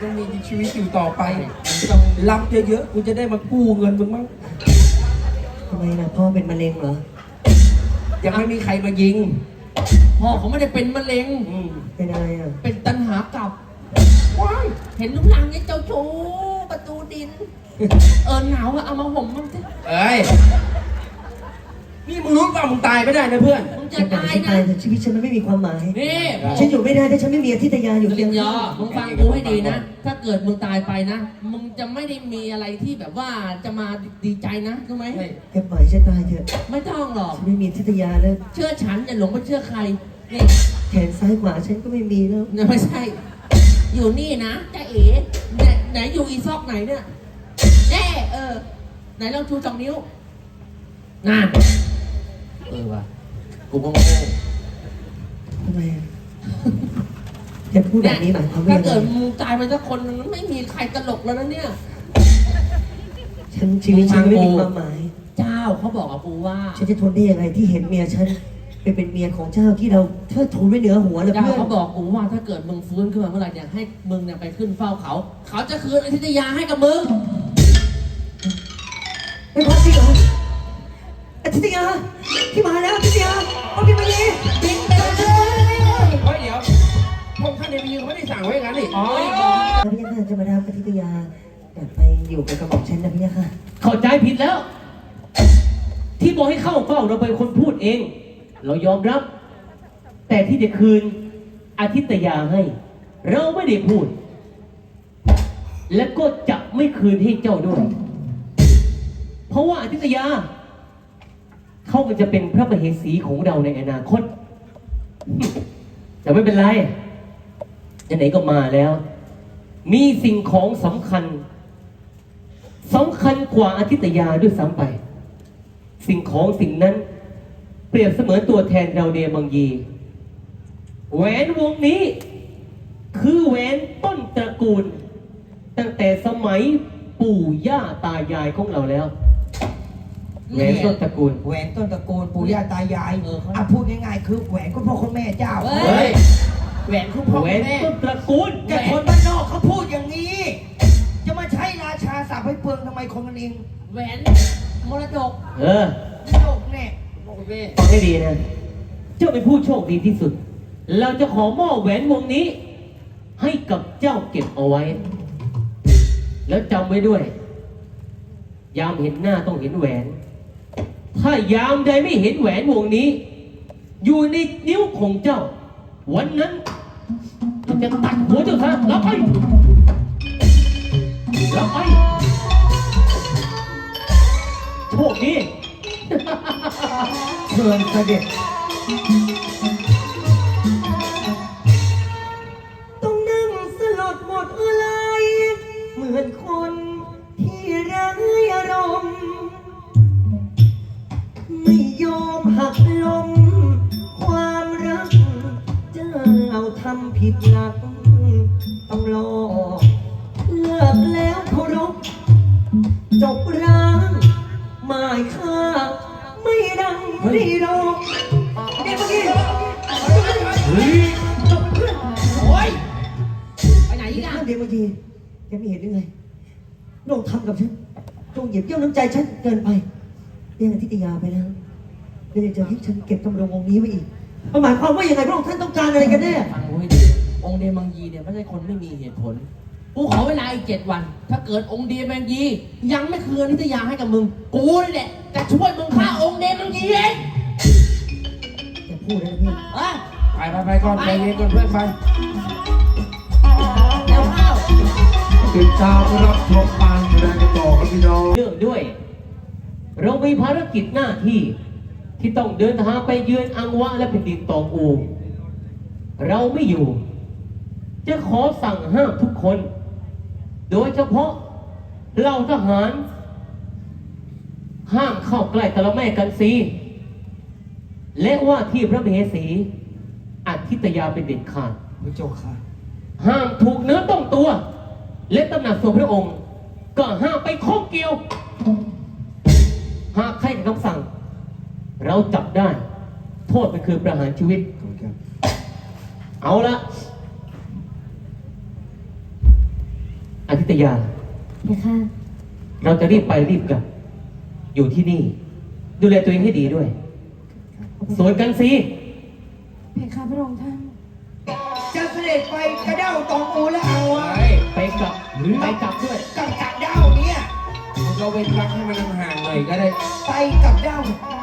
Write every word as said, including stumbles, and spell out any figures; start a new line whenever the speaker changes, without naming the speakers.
ต้องมีชีวิตอยู่ต่อไปต้องรับเยอะๆกูจะได้มากู้เงินมึงมั้ง
ทำไมล่ะพ่อเป็นมะเร็งเหรอ
ยังไม่มีใครมายิง
พ่อเขาไม่ได้เป็นมะเร็ง
อืม
เป็นอะไรอ่ะ
เป็นตัณหากลับ
ว้าย
เห็นลุงลังเนี่ยเจ้าชู้ประตูดิน เออหนาวอะเอามาห่มมั่งสิ
เอ้ยนี่มึงรู้เปล่ามึงตายไม่ได้นะเพื่อน
มึงจะ
ฉันอยาก
ตาย
ให้
นะ
ตายแต่ชีวิตฉันมันไม่มีความหมาย
นี่
ฉันอยู่ไม่ได้ถ้าฉันไม่มีอธิตยาอยู่
ลิ
เคียง
นยอ
ข้าง
มึงฟังกูให้ดีนะ ถ้าเกิดมึงตายไปนะ มึงจะไม่ได้มีอะไรที่แบบว่าจะมาดีใจนะรู้ไหม
แกปล่อยฉันตายเถอะ
ไม่ต้องหรอก
ฉันไม่มีอธิตยาแล้ว
เชื่อฉันอย่าหลงไปเชื่อใคร นี่
แขนซ้ายขวาฉันก็ไม่มีแล้ว
ไม่ใช่ อยู่นี่นะจ้าเอ๋ไหนไหนอยู่อีซอกไหนเนี่ยแน่เออ ไหนลองชูสองนิ้วนั่นเออว่ะกูก็โง่
ทำไมอะแกพูดแบบนี้หมายความว่า
ถ้า
ยังไง
เกิดมึงตายไปสักคนนึงไม่มีใครตลกแล้วนะเนี่ย
ฉันชีวิตฉันไม่มีความหมาย
เจ้าเขาบอกกับกูว่า
ฉันจะทนได้ยังไงที่เห็นเมียฉันไปเป็นเมียของเจ้าที่เราเทิดทูนไว้เหนือหัวแล้ว
เจ้า
เพื่อน
เขาบอกกูว่าถ้าเกิดมึงฟื้นขึ้นมาเมื่อไหร่เนี่ยให้มึงเนี่ยไปขึ้นเฝ้าเขา เขาจะคืนอธิตยาให้กับมึง
ไม่พอจริงเหรออธิตยาที่มาแล้วอธิตยาเอาพี่มาดี
บินไปเลย
เฮ้ยเดี๋ยวพวกท่านในมีเขาไม่ได้สั่งไว้อย่างนั้นนี่
อ๋อ
พี่ยาค่ะจะมาดามอธิตยาอยากไปอยู่กับกระบอกฉันนะพี่ยาค่ะ
เข้าใจผิดแล้ว ที่บอกให้เข้าเฝ้าเราเป็นคนพูดเอง เรายอมรับ แต่ที่จะคืนอาทิตยาให้ เราไม่ได้พูด และก็จะไม่คืนให้เจ้าด้วย เพราะว่าอาทิตยา เขาก็จะเป็นพระมเหสีของเราในอนาคต แต่ไม่เป็นไรไหนๆก็มาแล้ว มีสิ่งของสำคัญสำคัญกว่าอาทิตยาด้วยซ้ำไป สิ่งของสิ่งนั้น เปรียบเสมือนตัวแทนเราเดมังยี แหวนวงนี้ คือแหวนต้นตระกูล ตั้งแต่สมัยปู่ย่าตายายของเราแล้วแหวนต้นตระกูล
แหวนต้นตระกูลปู่ย่าตายาย
เออเขา
อ่ะพูดง่ายๆคือแหวนคุณพ่อคุณแม่เจ้า
เฮ้
เฮ้
ย
ย
แหวนคุณพ่อ
แหว
คุณ
น
แม่
ต้นตระกูล
แต่คนบ้านนอกเขาพูดอย่างนี้ จะมาใช้ราชาศัพท์ให้เปลืองทำไมคนกันเอง
แหวนมรดก
เออ
โลกแน่
พ่อคุณแม่
ฟังให้ดีนะ เจ้าเป็นผู้โชคดีที่สุด เราจะขอมอบแหวนวงนี้ ให้กับเจ้าเก็บเอาไว้ แล้วจำไว้ด้วย ยามเห็นหน้าต้องเห็นแหวน ถ้ายามใดไม่เห็นแหวนวงนี้ อยู่ในนิ้วของเจ้า วันนั้นเราจะตัดหัวเจ้าซะรับไปรับไปโชคดี
เชิญเสด็จต้องนั่งสลดหมดอะไรเหมือนคนที่ไร้อารมณ์ไม่ยอมหักลมความรักเจ้าทำผิดหลักต้องรอเลิกแล้วเคารพจบร้างหมายค่าไม่ดังไม่รอเดี๋ยวเมื่อกี้
เฮ้ย
โอ้ยไปไหนอีกอ่ะ
เดี๋ยวเมื่อกี้แกไม่เห็นหรือไงโดนทำกับฉันโดนเหยียบย่ำน้ำใจฉันเกินไปเรียกอธิตยาไปแล้วแล้วยังจะให้ฉันเก็บกำลังวงนี้ไว้อีกมันหมายความว่ายังไงพระองค์ท่านต้องการอะไรกันแน่
ฟังกูให้ดีองค์เดมังยีเนี่ยไม่ใช่คนไม่มีเหตุผล กูขอเวลาอีกเจ็ดวัน ถ้าเกิดองค์เดมังยี ยังไม่คืนอธิตยาให้กับมึง กูนี่แหละจะช่วยมึงฆ่าองค์เดมังยีเอง
แกพูดแล้วนะพี่
เอ้ย
ไปไปไปก่อนไปเรียนก่อนเพื่อนไป
เดี๋ยวข้าว
ติดตามรับชมการแสดงกันต่อครับพี่น้อง
เนื่องด้วย เรามีภารกิจหน้าที่ ที่ต้องเดินทางไปเยือนอังวะและแผ่นดินตองอู เราไม่อยู่ จะขอสั่งห้ามทุกคน โดยเฉพาะเหล่าทหาร ห้ามเข้าใกล้ตะละแม่กันซีและว่าที่พระมเหสีอาทิตยาเป็นเด็ดขาด
พระเจ้าค่ะ
ห้ามถูกเนื้อต้องตัว และตำหนักส่วนพระองค์ ก็ห้ามไปข้องเกี่ยว หากใครกับคำสั่ง เราจับได้ โทษมันคือประหารชีวิต เอาละอาทิตยา
เพคะ
เราจะรีบไปรีบกลับ อยู่ที่นี่ ดูแลตัวเองให้ดีด้วย ส่วนกันซี
เพคะพระองค์ท่าน
จะเสด็จไปกระเด้าตองอูแล้วเอาอะ
ไปกลับไปกลับด้วย
กับกระเด้าเนี่ย
มึงก็เว้นรักให้มันห่างๆหน่อยก็ได้
ไปกับเด้า